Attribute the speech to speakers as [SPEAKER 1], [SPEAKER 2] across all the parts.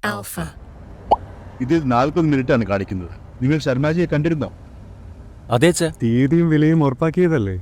[SPEAKER 1] Alpha.
[SPEAKER 2] ഇതിൽ 40 മിനിറ്റാണ് കാണിക്കുന്നത്. നിങ്ങൾ ശർമാജിയെ കണ്ടിരുന്നോ?
[SPEAKER 3] അതെ അച്ഛാ.
[SPEAKER 4] തീയതിയും വിലയും ഉറപ്പാക്കിയതല്ലേ?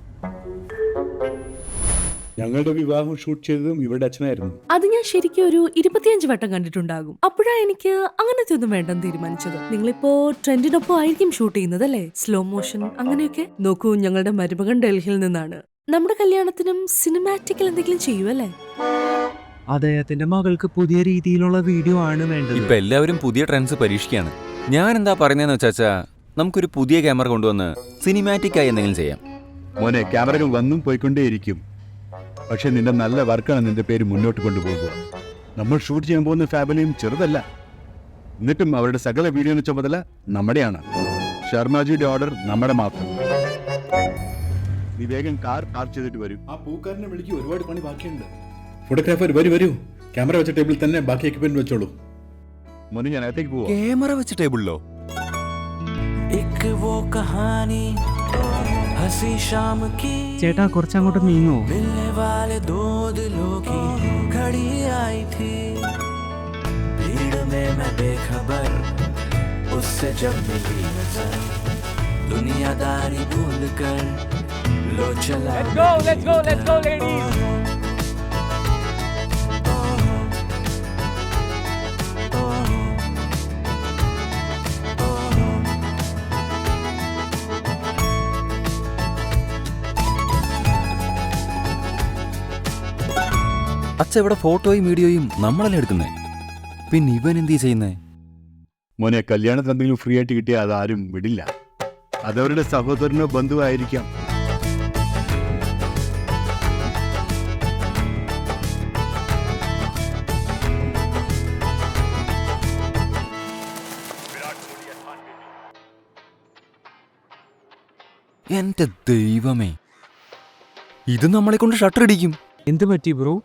[SPEAKER 2] ഞങ്ങളുടെ വിവാഹം ഷൂട്ട് ചെയ്തതും ഇവരുടെ അച്ഛനായിരുന്നു.
[SPEAKER 1] അത് ഞാൻ ശരിക്കും ഒരു 25 വട്ടം കണ്ടിട്ടുണ്ടാകും. അപ്പോഴാണ് എനിക്ക് അങ്ങനത്തെ ഒന്നും വേണ്ടെന്ന് തീരുമാനിച്ചത്. നിങ്ങളിപ്പോ ട്രെൻഡിനൊപ്പം ആയിരിക്കും ഷൂട്ട് ചെയ്യുന്നത് അല്ലേ? സ്ലോ മോഷൻ അങ്ങനെയൊക്കെ. നോക്കൂ, ഞങ്ങളുടെ മരുമകൻ ഡൽഹിയിൽ നിന്നാണ്. നമ്മുടെ കല്യാണത്തിനും സിനിമാറ്റിക്കൽ എന്തെങ്കിലും ചെയ്യുമല്ലേ?
[SPEAKER 5] അദ്ദേഹത്തിന്റെ മകൾക്ക് പുതിയ രീതിയിലുള്ള വീഡിയോ ആണ് വേണ്ടത്.
[SPEAKER 3] ഇപ്പൊ എല്ലാവരും പുതിയ ട്രെൻഡ്സ് പരീക്ഷിക്കുകയാണ്. ഞാൻ എന്താ പറയുന്നതെന്ന് വെച്ചാ, നമുക്കൊരു പുതിയ ക്യാമറ കൊണ്ടുവന്ന് സിനിമാറ്റിക് ആയി എന്തെങ്കിലും ചെയ്യാം.
[SPEAKER 2] മോനെ, ക്യാമറകൾ വന്നും പോയിക്കൊണ്ടേയിരിക്കും. പക്ഷെ നിന്റെ നല്ല വർക്കാണ് നിന്റെ പേര് മുന്നോട്ട് കൊണ്ടുപോകുക. നമ്മൾ ഷൂട്ട് ചെയ്യാൻ പോകുന്ന ഫാമിലിയും ചെറുതല്ല. എന്നിട്ടും അവരുടെ സകല വീഡിയോ ചുമതല നമ്മുടെയാണ്. ശർമാജിയുടെ ഓർഡർ നമ്മുടെ മാത്രം. നീ വേഗം കാർ പാർക്ക് ചെയ്തിട്ട് വരും.
[SPEAKER 6] ആ പൂക്കാരനെ വിളിക്ക്, ഒരുപാട് പണി ബാക്കിയുണ്ട്. ഫോട്ടോഗ്രാഫർ വരൂ. ക്യാമറ വെച്ച ടേബിളിൽ തന്നെ ബാക്കി എക്യുപ്മെന്റ് വെച്ചോളൂ.
[SPEAKER 2] മോനെ, ഞാൻ അകത്തേക്ക് പോവാം.
[SPEAKER 3] ക്യാമറ വെച്ച ടേബിളിലോ?
[SPEAKER 5] ചേട്ടാ, കുറച്ചങ്ങോട്ട് നീങ്ങോ?
[SPEAKER 3] Let's go, ladies. അച്ഛ, ഇവിടെ ഫോട്ടോയും വീഡിയോയും നമ്മളല്ലേ എടുക്കുന്നേ. പിന്നെ ഇവൻ എന്ത് ചെയ്യുന്നേ?
[SPEAKER 2] മോനെ, കല്യാണത്തിന് എന്തെങ്കിലും ഫ്രീ ആയിട്ട് കിട്ടിയാൽ അതാരും വിടില്ല. അതവരുടെ സഹോദരനോ ബന്ധുവോ ആയിരിക്കാം.
[SPEAKER 3] എന്റെ ദൈവമേ, ഇത് നമ്മളെ കൊണ്ട് ഷട്ടർ ഇടിക്കും.
[SPEAKER 5] എന്ത് പറ്റി ബ്രോ?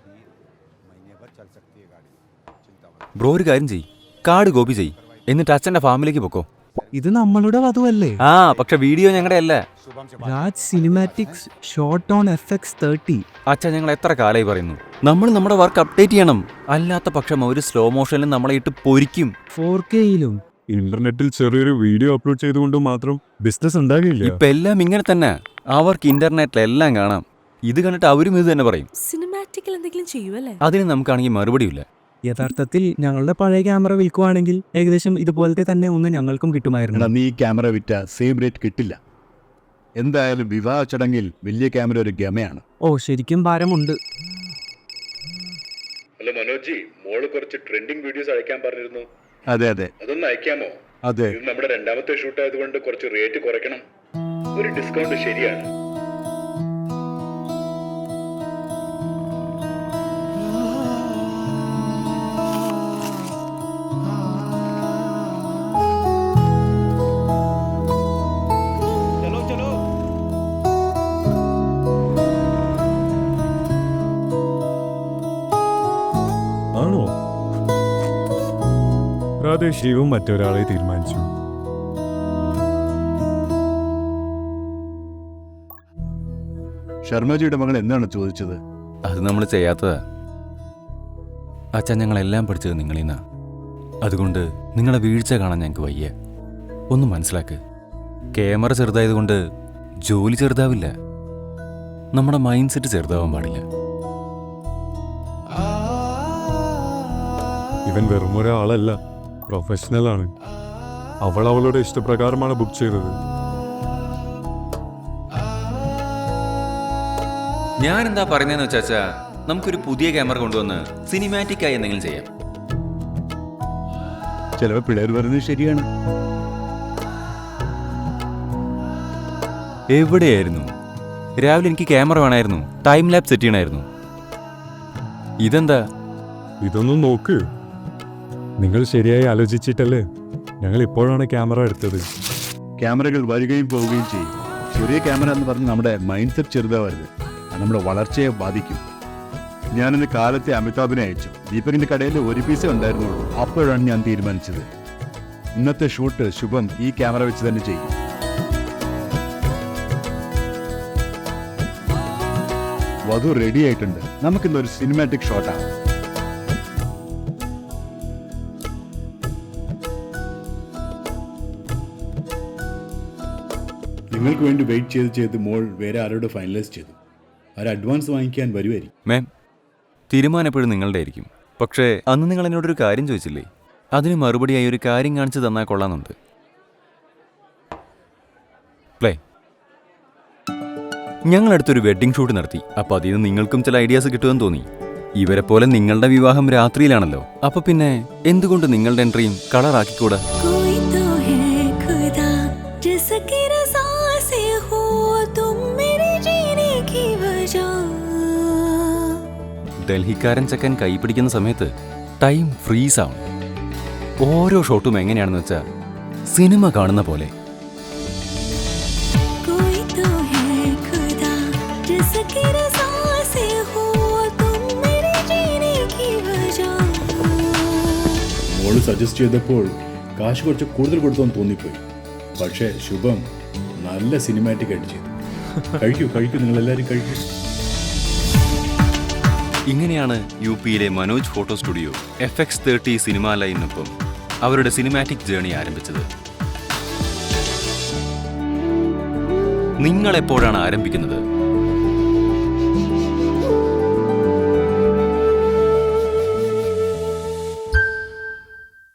[SPEAKER 3] ബ്രോ, ഒരു കാര്യം ചെയ്യ്, കാർഡ് കോപ്പി ചെയ്യ്, എന്നിട്ട് അച്ഛന്റെ ഫാമിലേക്ക് പൊക്കോ.
[SPEAKER 5] ഇത് നമ്മളുടെ വധുവല്ലേ?
[SPEAKER 3] ആ, പക്ഷെ വീഡിയോ ഞങ്ങളുടെ അല്ല.
[SPEAKER 5] Raj cinematics shot on FX30.
[SPEAKER 3] അച്ഛൻ, ഞങ്ങൾ എത്ര കാലമായി പറയുന്നു, നമ്മൾ നമ്മുടെ വർക്ക് അപ്ഡേറ്റ് ചെയ്യണം. അല്ലാത്ത പക്ഷം ഒരു സ്ലോ മോഷനിൽ നമ്മളെ ഇട്ട് പൊരിക്കും.
[SPEAKER 5] 4Kയിലും.
[SPEAKER 4] ഇന്റർനെറ്റിൽ ചെറിയൊരു വീഡിയോ അപ്ലോഡ് ചെയ്തുകൊണ്ട് മാത്രം ബിസിനസ് ഉണ്ടാകില്ല.
[SPEAKER 3] ഇപ്പൊ എല്ലാം ഇങ്ങനെ തന്നെ. അവർക്ക് ഇന്റർനെറ്റിലെല്ലാം കാണാം. ഇത് കണ്ടിട്ട് അവരും ഇത് തന്നെ പറയും.
[SPEAKER 1] സിനിമാറ്റിക്കൽ എന്തെങ്കിലും ചെയ്യുമല്ലേ?
[SPEAKER 3] അതിന് നമുക്കാണെങ്കിൽ മറുപടിയില്ല.
[SPEAKER 5] യഥാർത്ഥത്തിൽ ഞങ്ങളുടെ പഴയ ക്യാമറ വിൽക്കുവാണെങ്കിൽ ഏകദേശം ഇതുപോലത്തെ തന്നെ ഒന്ന് ഞങ്ങൾക്കും കിട്ടുമായിരുന്നു.
[SPEAKER 2] നീ ക്യാമറ വിറ്റ സെയിം റേറ്റ് കിട്ടില്ല. എന്തായാലും വിവാഹ ചടങ്ങിൽ വലിയ ക്യാമറ ഒരു ഗമയാണ്.
[SPEAKER 5] ഓ, ശരിക്കും ഭാരമുണ്ട്.
[SPEAKER 6] ഹലോ മനോജി, മോള് കുറച്ച് ട്രെൻഡിങ് വീഡിയോസ് അയക്കാൻ പറഞ്ഞിരുന്നു.
[SPEAKER 2] അതെ അതെ
[SPEAKER 6] അതൊന്ന് അയക്കാമോ?
[SPEAKER 2] അതെ.
[SPEAKER 6] ഇത് നമ്മുടെ രണ്ടാമത്തെ ഷൂട്ട് ആയതുകൊണ്ട് കുറച്ച് റേറ്റ് കുറയ്ക്കണം. ഒരു ഡിസ്കൗണ്ട് ശരിയാണ്.
[SPEAKER 4] ആണോ? പ്രാദേശികവും മറ്റൊരാളെ തീരുമാനിച്ചു.
[SPEAKER 2] ശർമ്മജിയുടെ മകൾ എന്താണ് ചോദിച്ചത്?
[SPEAKER 3] അത് നമ്മൾ ചെയ്യാത്തതാ. അച്ഛൻ, ഞങ്ങളെല്ലാം പഠിച്ചത് നിങ്ങളിൽ നിന്നാ. അതുകൊണ്ട് നിങ്ങളെ വീഴ്ച കാണാൻ ഞങ്ങൾക്ക് വയ്യ. ഒന്ന് മനസ്സിലാക്ക്. ക്യാമറ ചെറുതായതുകൊണ്ട് ജോലി ചെറുതാവില്ല. നമ്മുടെ മൈൻഡ് സെറ്റ് ചെറുതാവാൻ പാടില്ല.
[SPEAKER 4] ഇവൻ വെറും ഒരാളല്ല, പ്രൊഫഷണലാണ്. അവൾ അവളുടെ ഇഷ്ടപ്രകാരമാണ് ബുക്ക് ചെയ്തത്.
[SPEAKER 3] ഞാൻ എന്താ പറയുന്നതെന്ന് വെച്ചാ, നമുക്കൊരു പുതിയ ക്യാമറ കൊണ്ടുവന്ന് സിനിമാറ്റിക് ആയി എന്തെങ്കിലും ചെയ്യാം.
[SPEAKER 2] ചിലപ്പോൾ പിള്ളേർ പറയുന്നത് ശരിയാണ്.
[SPEAKER 3] എവിടെയായിരുന്നു? രാവിലെ എനിക്ക് ക്യാമറ വേണമായിരുന്നു, ടൈം ലാപ്പ് സെറ്റ് ചെയ്യണമായിരുന്നു. ഇതെന്താ?
[SPEAKER 4] ഇതൊന്നും നോക്ക്. നിങ്ങൾ ശരിയായി ആലോചിച്ചിട്ടല്ലേ ഞങ്ങൾ ഇപ്പോഴാണ് ക്യാമറ എടുത്തത്.
[SPEAKER 2] ക്യാമറകൾ വരികയും പോവുകയും ചെയ്യും. ചെറിയ ക്യാമറ എന്ന് പറഞ്ഞ് നമ്മുടെ മൈൻഡ് സെറ്റ് ചെറുതാവരുത്. അത് നമ്മുടെ വളർച്ചയെ ബാധിക്കും. ഞാനിന്ന് കാലത്തെ അമിതാഭിനെ അയച്ചു. ദീപകിന്റെ കടയിൽ ഒരു പീസേ ഉണ്ടായിരുന്നുള്ളൂ. അപ്പോഴാണ് ഞാൻ തീരുമാനിച്ചത്, ഇന്നത്തെ ഷൂട്ട് ശുഭം ഈ ക്യാമറ വെച്ച് തന്നെ ചെയ്യും. വധു റെഡി ആയിട്ടുണ്ട്. നമുക്കിന്നൊരു സിനിമാറ്റിക് ഷോട്ടാണ്.
[SPEAKER 6] നിങ്ങൾക്ക് വേണ്ടി വെയിറ്റ് ചെയ്ത് മോൾ വേറെ ആരോട് ഫൈനലൈസ് ചെയ്തു. അവർ അഡ്വാൻസ് വാങ്ങിക്കാൻ വരുമായിരിക്കും.
[SPEAKER 3] മാം, തീരുമാനം എപ്പോഴും നിങ്ങളുടെ ആയിരിക്കും. പക്ഷേ അന്ന് നിങ്ങൾ എന്നോടൊരു കാര്യം ചോദിച്ചില്ലേ? അതിന് മറുപടിയായി ഒരു കാര്യം കാണിച്ചു തന്നാൽ കൊള്ളാമെന്നുണ്ട്. പ്ലേ. ഞങ്ങളടുത്തൊരു വെഡ്ഡിംഗ് ഷൂട്ട് നടത്തി. അപ്പോൾ അതിൽ നിന്ന് നിങ്ങൾക്കും ചില ഐഡിയാസ് കിട്ടുമെന്ന് തോന്നി. ഇവരെ പോലെ നിങ്ങളുടെ വിവാഹം രാത്രിയിലാണല്ലോ. അപ്പൊ പിന്നെ എന്തുകൊണ്ട് നിങ്ങളുടെ എൻട്രിയും കളറാക്കിക്കൂടാ? ഡൽഹിക്കാരൻ ചക്കൻ കൈ പിടിക്കുന്ന സമയത്ത് ടൈം ഫ്രീസ് ആവും. ഓരോ ഷോട്ടും എങ്ങനെയാണെന്ന് വെച്ചാൽ സിനിമ കാണുന്ന പോലെ.
[SPEAKER 6] മോള് സജസ്റ്റ് ചെയ്തപ്പോൾ കാശ് കുറച്ച് കൂടുതൽ കൊടുത്തോന്ന് തോന്നിപ്പോയി. പക്ഷേ ശുഭം നല്ല സിനിമാറ്റിക് ആയിട്ട് ചെയ്തു. കഴിക്കൂ നിങ്ങളെല്ലാവരും കഴിക്കൂ.
[SPEAKER 3] ഇങ്ങനെയാണ് യു.പിയിലെ Manoj photo studio FX30 cinema ലൈനിനൊപ്പം അവരുടെ സിനിമാറ്റിക് ജേണി ആരംഭിച്ചത്. നിങ്ങളെപ്പോഴാണ് ആരംഭിക്കുന്നത്?